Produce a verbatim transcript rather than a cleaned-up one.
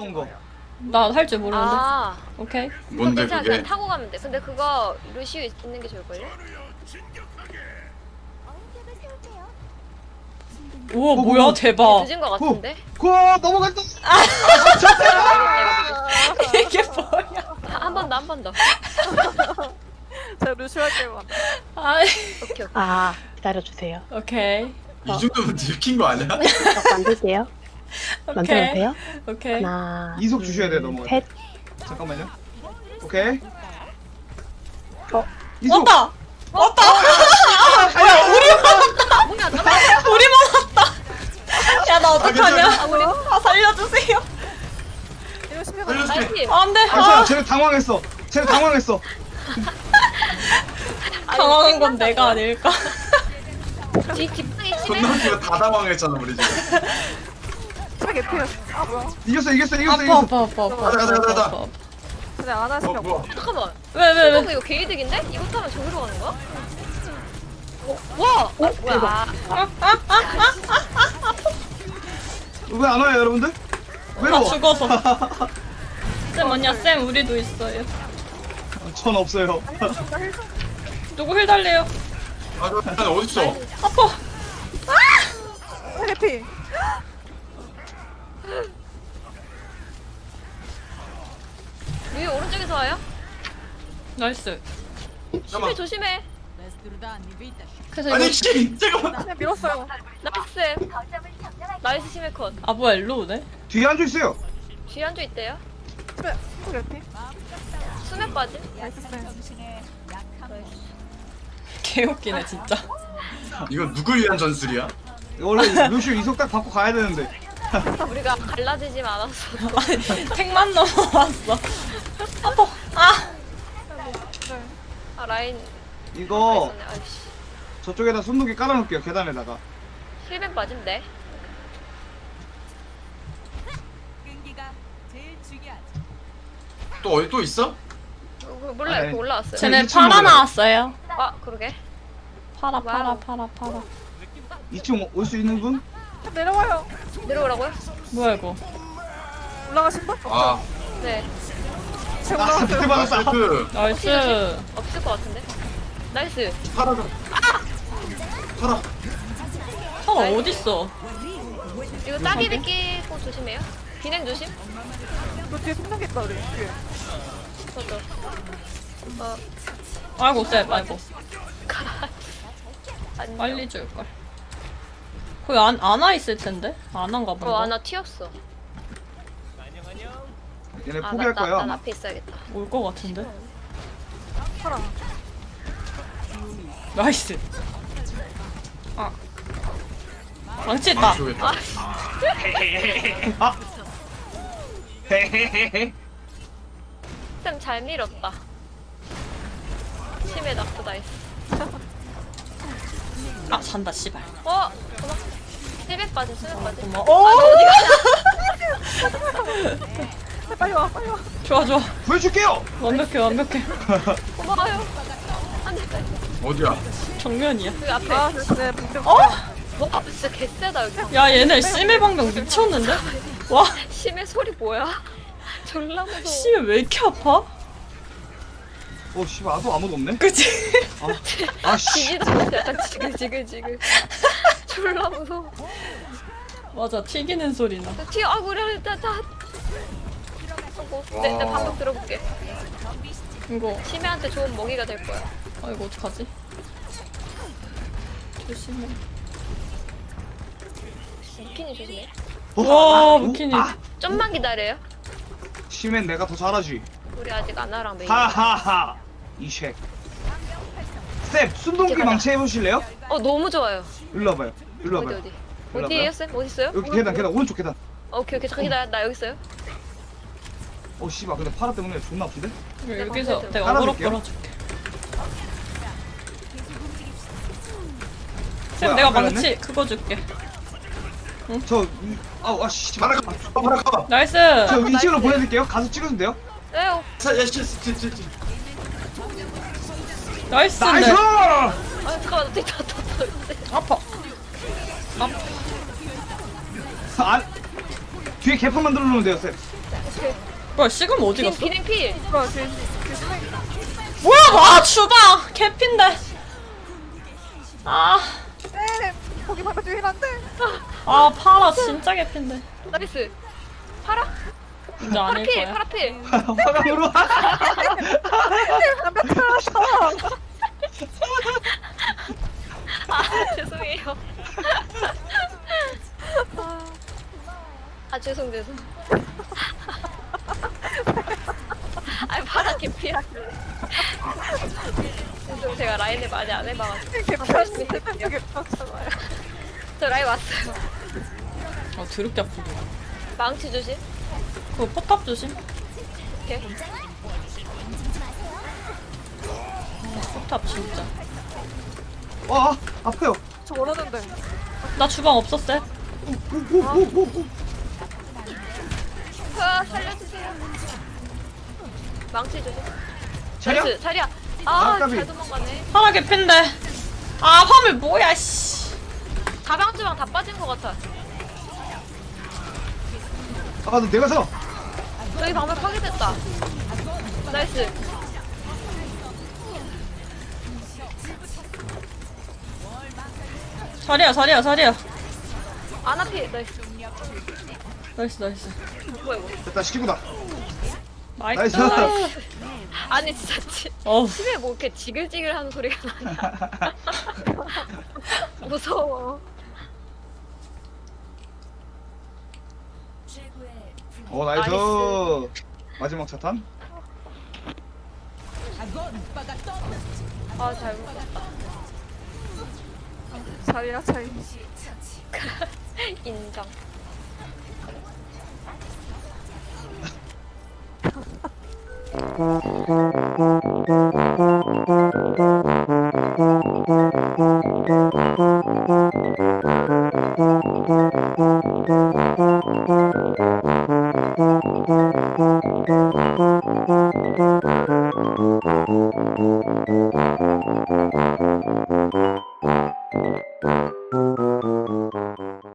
귀여운 거. 나 할 줄 모르는데. 아, 오케이. 그거 뭔데 괜찮아. 그게? 그냥 타고 가면 돼. 근데 그거 루시우 있는 게 좋을걸요? 우와 어, 뭐야 어, 대박. 늦은 거 같은데? 구 넘어갔다. 이게 뭐야? 한 번 더, 한 번 더. 제가 루시오 할게요. 아이. 오케이, 오케이. 아, 기다려주세요. 오케이. 이 정도면 들킨 거 아니야? 딱 만들게요. 오케이. 만들어주세요. 오케이. 하나, 이속 주셔야 돼 넘어갈 셋. 때. 잠깐만요. 오케이. 어, 이속. 왔다. 왔다. 뭐야 우리만 왔다. 뭐야, 나 우리만 왔다. 야 나 어떡하냐? 괜찮아. 아, 우리 아 살려주세요. 이거 심해. 살려줄게. 나이스. 안돼. 아, 쟤, 아, 쟤 당황했어. 쟤 당황했어. 당황한 건 내가 아닐까? 뒤, 뒷방이 심해. 존나 웃기고 다 당황했잖아 우리 지금. 심해 개피야. 아 뭐야? 이겼어, 이겼어, 이겼어, 아파 이겼어. 아파 아파 아파. 가자, 가자, 가자, 가자. 아파, 아파. 그냥 안 어 하시면 뭐야? 잠깐만. 왜 왜 왜? 이거 이거 개이득인데? 이거 타면 저기로 가는 거야? 어, 와! 아, 뭐야? 왜 안 와요, 여러분들? 나 왜요? 죽어서. 쌤 뭐냐 쌤 우리도 있어요. 전 없어요. 누구 힐 달래요? 아 저 어디 있어? 아파. 심해 개피. 위에 오른쪽에서 와요? 나이스. 조심해, 잠깐만. 조심해. 그래서 아니 이거 씨 잠깐만. 그냥 밀었어요. 나이스. 나이스 심해 컷. 아 뭐야 일로 오네? 뒤에 앉아 있어요. 뒤에 앉아 있대요. 심해. 심해 개피. 수면 빠짐. 나이스 쌤. 개웃기네 진짜. 이거 누구 위한 전술이야? 원래 루시오 이속 딱 받고 가야 되는데. 우리가 갈라지지 않았어. 아니 택만 넘어왔어. 아파. 아. 아 라인. 이거 있었네. 아이씨. 저쪽에다 손목이 깔아놓을게요. 계단에다가. 힐벤 빠짐데. 또 어디 또 있어? 어, 그거 몰라요. 아, 네. 그거 올라왔어요. 쟤네 이 층 팔아 먹어요. 나왔어요. 아 그러게. 팔아 팔아 와우. 팔아 팔아. 이 층 올 수 있는 분? 내려와요. 내려오라고요? 뭐야 이거? 올라가신 분? 아 네. 제가 아, 밑에 올라갔어요. 받았어. 그 나이스. 없을 것 같은데. 나이스. 팔아 팔아. 팔아 어딨어? 이거 따기비 끼고 조심해요. 비냉 조심. 너 뒤에 생각했다 우리. 뒤에. 저도. 어 아이고 쌤 아이고. 안녕. 빨리 줄 걸. 거기 안 안아 있을 텐데. 안한가 본다. 어 아나 튀었어. 얘네 아 포기할 나, 나, 거예요. 난 아마. 앞에 있어야겠다. 올 것 같은데. 팔아. 나이스. 아. 망치 있다. 죽겠다. 아. 헤헤헤헤. 쌤 잘 밀었다. 심해 낙도 나이스. 아 잔다 씨발. 어 고마. 힐벤 빠짐 수면 빠짐. 고마워. 아, 어. 빨리 와 빨리 와. 좋아 좋아. 보여줄게요. 완벽해 완벽해. 고마워요. 안돼. 어디야? 정면이야. 여기 앞에. 아 네. 분명. 어? 와 진짜 개쎄다 여기. 야 얘네 심해 방금 미쳤는데? 와 심해 소리 뭐야? 졸라 무서워. 심해 왜 이렇게 아파? 어, 씨발, 아도 아무도 없네. 그치? 아, 씨. 지지도 않았어. 약간 지글지글지글. 졸라 무서워. 맞아 튀기는 소리 나. 튀어. 아 우리 다 다. 하고. 내, 내 방금 들어볼게. 이거 심해한테 좋은 먹이가 될 거야. 아 이거 어떡하지? 조심해. 무키니 조심해. 어? 와 아, 무키니. 아, 좀만 기다려요. 심엔 내가 더 잘하지. 우리 아직 아나랑 메이. 하하하. 이쉑. 쌤, 순동기 이렇게 망치 해보실래요? 어 너무 좋아요. 일로 와봐요. 일로 어디 와봐요. 어디? 일로 어디에요 와봐요. 쌤? 어디 있어요? 여기 계단, 계단, 오른쪽 계단. 어, 오케이 오케이 잠깐 기다려. 나 여기 있어요. 어, 씨발, 근데 파라 때문에 존나 아픈데? 여기서 방패 내가 어그로 깔아줄게요. 끌어줄게. 쌤 뭐야, 내가 안 깔았네? 망치 그거 줄게. 저, 이- 아우, 아, 씨. 팔아 저 가. 팔아 가. 나이스. 이 층으로 나이스. 보내드릴게요. 가서 찍으면 돼요. 네. 어. 야씨씨씨 나이스. 나이스! 네. 아 잠깐만 어떻게 다다다. 아파. 아파. 아, 뒤에 개판 만들어 놓으면 돼요, 쌤. 뭐야 시금 어디 비냉 갔어? 비냉 필. 뭐야 쟤, 쟤 스나이 뭐야 아 주방 개핀데. 아, 네 거기 받아주긴 한데 아 파라 진짜 개핀데. 나이스. 파라. 이제 아닐 파라필 거야. 파라필. 화강으로. 아 죄송해요. 아, 아 죄송 죄송. 아니 파라 개피라길래. 죄송 제가 라인을 많이 안 해봐가지고. 개편이 세상에 개편잖아요. 저 라인 왔어요. 어 드럽게 아프고. 망치 조심. 그거 포탑 조심. 오케이. 포탑 진짜. 와 아파요. 저 원하는데 나 주방 없었어. 오오오오. 아 살려주세요. 망치 조심. 차려. 나이스 자리야. 아, 까비. 아잘 도망가네. 파라 개핀데. 아 화물 뭐야 씨. 가방주방 다 빠진 것 같아. 아너 내가 서. 저기 방금 파괴됐다. 나이스. 자리야 자리야 자리야. 아나피 나이스. 나이스 나이스. 뭐야 이거. 됐다 시키고다. 나이스. 나이스. 아니 진짜 지, 어우. 집에 뭐 이렇게 지글지글 하는 소리가 나냐. 무서워. 어 나이스. 나이스. 마지막 차탄. 아 잘 먹었다. 자리야 차이 인정.